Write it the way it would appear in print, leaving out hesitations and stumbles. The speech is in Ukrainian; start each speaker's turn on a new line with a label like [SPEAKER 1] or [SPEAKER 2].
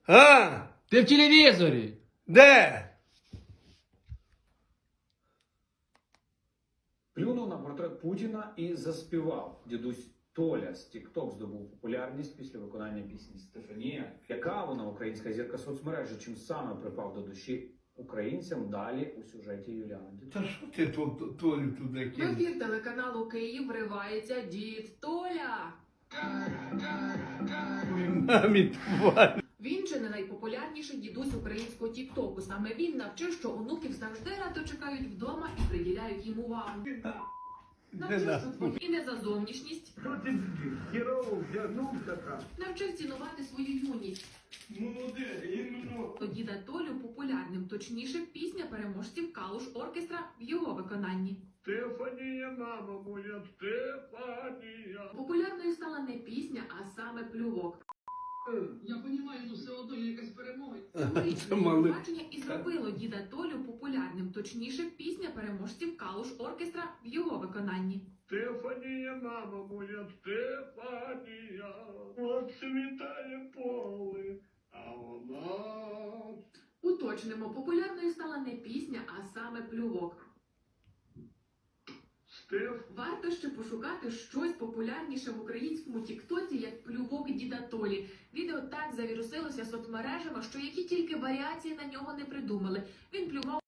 [SPEAKER 1] А?
[SPEAKER 2] Ти в телевізорі.
[SPEAKER 1] Де?
[SPEAKER 3] Плюнув на портрет Путіна і заспівав. Дідусь Толя з TikTok здобув популярність після виконання пісні «Стефанія». Яка вона українська зірка соцмережі, чим саме припав до душі українцям, далі у сюжеті Юліани Дідусь.
[SPEAKER 1] Та що ти Толю туди
[SPEAKER 4] В
[SPEAKER 1] кинув?
[SPEAKER 4] ефір телеканалу Київ вривається дід Толя.
[SPEAKER 1] Мамі тварь.
[SPEAKER 4] Він же не найпопулярніший дідусь українського тіктоку. Саме він навчив, що онуків завжди радо чекають вдома і приділяють їм увагу. Навчив тут і не за зовнішність,
[SPEAKER 5] Що ти хірово вдягнув така?
[SPEAKER 4] навчив цінувати свою юність.
[SPEAKER 5] Молоде, іменно.
[SPEAKER 4] То діда Толю популярним, точніше, пісня переможців Калуш оркестра в його виконанні.
[SPEAKER 5] Стефанія, мама моя, Стефанія.
[SPEAKER 4] Популярною стала не пісня, а саме плювок.
[SPEAKER 6] Я розумію, але все одно є якась перемога.
[SPEAKER 4] Цьогорічне
[SPEAKER 1] малий.
[SPEAKER 4] бачення і зробило діда Толю популярним, точніше, пісня переможців Калуш оркестра в його виконанні.
[SPEAKER 5] Стефанія, мама моя, Стефанія. Оцвітає поле, а вона...
[SPEAKER 4] Уточнимо, популярною стала не пісня, а саме плювок. Варто ще пошукати щось популярніше в українському тіктоці, як плювок діда Толі. Відео так завірусилося соцмережами, що які тільки варіації на нього не придумали. Він плював